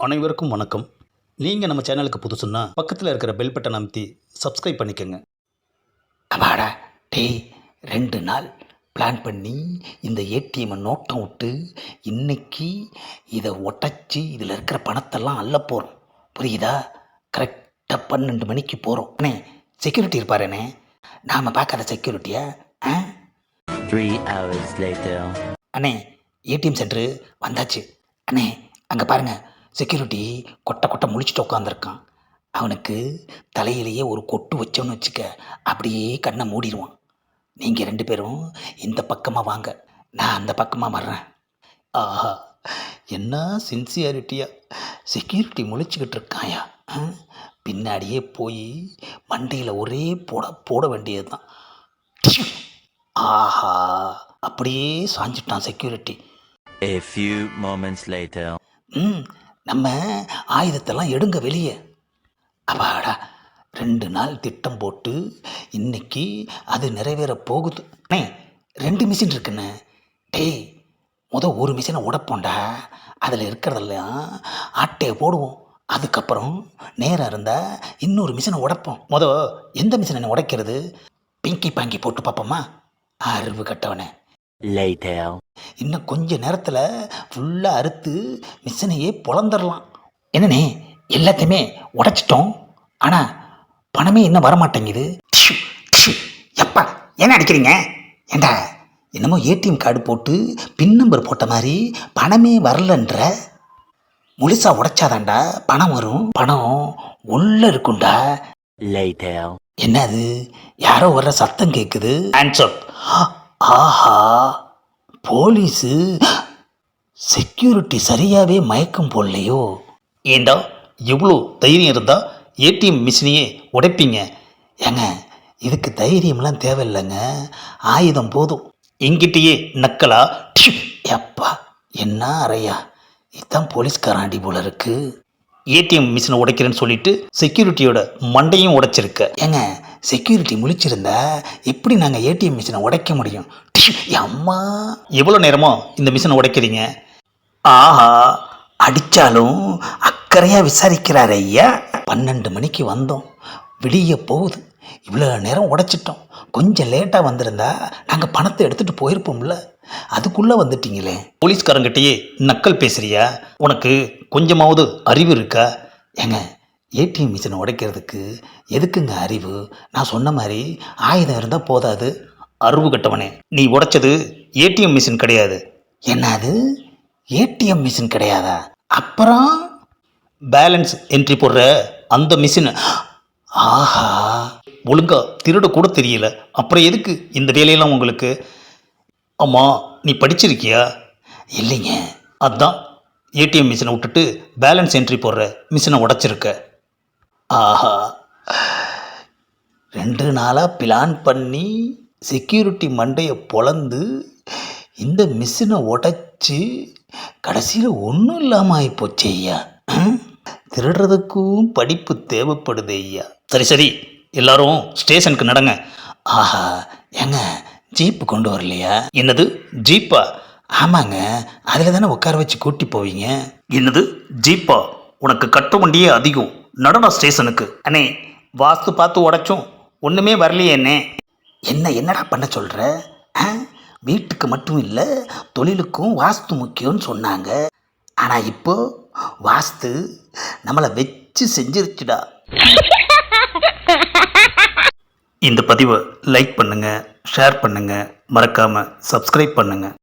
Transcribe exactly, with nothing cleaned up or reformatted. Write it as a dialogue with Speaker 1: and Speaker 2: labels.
Speaker 1: அனைவருக்கும் வணக்கம். நீங்கள் நம்ம சேனலுக்கு புதுசுன்னா பக்கத்தில் இருக்கிற பெல் பட்டன் அமைத்தி சப்ஸ்கிரைப் பண்ணிக்கோங்க.
Speaker 2: அப்பாடா டேய், ரெண்டு நாள் பிளான் பண்ணி இந்த ஏடிஎம்மை நோட்டம் விட்டு இன்னைக்கு இதை உடச்சி இதில் இருக்கிற பணத்தெல்லாம் அள்ள போகிறோம். புரியுதா? கரெக்டாக பன்னெண்டு மணிக்கு போகிறோம். அண்ணே, செக்யூரிட்டி இருப்பாருண்ணே. நாம் பார்க்காத செக்யூரிட்டியா? ஆ
Speaker 3: Three hours later.
Speaker 2: அண்ணே, ஏடிஎம் சென்டரு வந்தாச்சு. அண்ணே, அங்கே பாருங்கள், செக்யூரிட்டி கொட்டை கொட்டை முழிச்சிட்டு உட்காந்துருக்கான். அவனுக்கு தலையிலேயே ஒரு கொட்டு வச்சோன்னு வச்சுக்க, அப்படியே கண்ணை மூடிடுவான். நீங்கள் ரெண்டு பேரும் இந்த பக்கமாக வாங்க, நான் அந்த பக்கமாக வர்றேன்.
Speaker 1: ஆஹா, என்ன சின்சியாரிட்டியா
Speaker 2: செக்யூரிட்டி முழிச்சுக்கிட்டு இருக்காயா? ஆ? பின்னாடியே போய் மண்டையில் ஒரே போட போட வேண்டியது தான். ஆஹா, அப்படியே சாஞ்சிட்டான் security.
Speaker 3: A few moments later.
Speaker 2: ம் நம்ம ஆயுதத்தெல்லாம் எடுங்க வெளியே. அப்பாடா, ரெண்டு நாள் திட்டம் போட்டு இன்னைக்கு அது நிறைவேற போகுது. அண்ணே, ரெண்டு மிஷின் இருக்குண்ணே. டேய், முத ஒரு மிஷினை உடைப்போண்டா. அதில் இருக்கிறதெல்லாம் ஆட்டையை போடுவோம். அதுக்கப்புறம் நேரம் இருந்தால் இன்னொரு மிஷினை உடைப்போம். முத எந்த மிஷினை உடைக்கிறது? பிங்கி பாங்கி போட்டு பார்ப்போமா? அறிவு கட்டவனே.
Speaker 3: Later.
Speaker 2: இன்னும் கொஞ்ச நேரத்தில் ஃபுல்லாக அறுத்து மிஷினையே பொழந்துடலாம். என்னண்ணே, எல்லாத்தையுமே உடைச்சிட்டோம், ஆனால் பணமே இன்னும் வரமாட்டேங்குது. டிஷு, டிஷு. எப்பா என்ன அடிக்கிறீங்க? ஏண்டா, என்னமோ ஏடிஎம் கார்டு போட்டு பின் நம்பர் போட்ட மாதிரி பணமே வரலன்ற. முழுசாக உடைச்சாதாண்டா பணம் வரும். பணம் உள்ள இருக்குண்டா.
Speaker 3: Later.
Speaker 2: என்னது, யாரோ வர்ற சத்தம் கேட்குது. ஆன்சர். ஆஹா, போலீஸு. செக்யூரிட்டி சரியாகவே மயக்கம் போடலையோ?
Speaker 1: ஏண்டா, எவ்வளோ தைரியம் இருந்தால் ஏடிஎம் மிஷினையே உடைப்பீங்க?
Speaker 2: ஏங்க, இதுக்கு தைரியம்லாம் தேவையில்லைங்க, ஆயுதம் போதும்.
Speaker 1: எங்கிட்டயே நக்கலா?
Speaker 2: டிஷு. எப்பா என்ன அறையா, இதுதான் போலீஸ்காராண்டி போல இருக்கு.
Speaker 1: ஏடிஎம் மிஷினை உடைக்கிறேன்னு சொல்லிட்டு செக்யூரிட்டியோட மண்டையும் உடைச்சிருக்க.
Speaker 2: ஏங்க, செக்யூரிட்டி முழிச்சிருந்தா எப்படி நாங்கள் ஏடிஎம் மிஷினை உடைக்க முடியும்? டிஷு. அம்மா,
Speaker 1: எவ்வளோ நேரமோ இந்த மிஷினை உடைக்கிறீங்க?
Speaker 2: ஆஹா, அடித்தாலும் அக்கறையாக விசாரிக்கிறார் ஐயா. பன்னெண்டு மணிக்கு வந்தோம், விடிய போகுது. இவ்வளோ நேரம் உடைச்சிட்டோம். கொஞ்சம் லேட்டாக வந்திருந்தா நாங்கள் பணத்தை எடுத்துகிட்டு போயிருப்போம்ல. அதுக்குள்ளே வந்துட்டீங்களே.
Speaker 1: போலீஸ்காரங்கிட்டயே நக்கல் பேசுறியா? உனக்கு கொஞ்சமாவது அறிவு இருக்கா?
Speaker 2: ஏங்க, ஏடிஎம் மிஷினை உடைக்கிறதுக்கு எதுக்குங்க அறிவு? நான் சொன்ன மாதிரி ஆயுதம் இருந்தால் போதாது.
Speaker 1: அறிவு கட்டவனே, நீ உடைச்சது ஏடிஎம் மிஷின் கிடையாது.
Speaker 2: என்னது, ஏடிஎம் மிஷின் கிடையாதா? அப்புறம்
Speaker 1: பேலன்ஸ் என்ட்ரி போடுற அந்த மிஷின்.
Speaker 2: ஆஹா,
Speaker 1: ஒழுங்கா திருட கூட தெரியல, அப்புறம் எதுக்கு இந்த வேலையெல்லாம் உங்களுக்கு? ஆமாம், நீ படிச்சிருக்கியா?
Speaker 2: இல்லைங்க.
Speaker 1: அதான் ஏடிஎம் மிஷினை விட்டுட்டு பேலன்ஸ் என்ட்ரி போடுற மிஷினை உடைச்சிருக்க.
Speaker 2: ஆஹா, ரெண்டு நாளாக பிளான் பண்ணி செக்யூரிட்டி மண்டையை பொளந்து இந்த மிஷினை உடைச்சி கடைசியில் ஒன்றும் இல்லாமல் ஆகிப்போச்சு ஐயா.
Speaker 1: திருடுறதுக்கும் படிப்பு தேவைப்படுது ஐயா. சரி சரி, எல்லாரும் ஸ்டேஷனுக்கு நடங்க.
Speaker 2: ஆஹா, ஏங்க, ஜீப்பு கொண்டு வரலையா?
Speaker 1: என்னது, ஜீப்பா?
Speaker 2: ஆமாங்க, அதில் தானே உட்கார வச்சு கூட்டி போவீங்க.
Speaker 1: என்னது, ஜீப்பா? உனக்கு கட்ட வண்டியே அதிகம். நடனா ஸ்டேஷனுக்கு. அண்ணே, வாஸ்து பார்த்து உடைச்சோம், ஒன்றுமே வரலையே அண்ணே.
Speaker 2: என்ன என்னடா பண்ண சொல்கிற? வீட்டுக்கு மட்டும் இல்லை, தொழிலுக்கும் வாஸ்து முக்கியம்னு சொன்னாங்க. ஆனால் இப்போ வாஸ்து நம்மளை வச்சு செஞ்சிருச்சுடா.
Speaker 1: இந்த பதிவை லைக் பண்ணுங்கள், ஷேர் பண்ணுங்கள், மறக்காமல் சப்ஸ்கிரைப் பண்ணுங்கள்.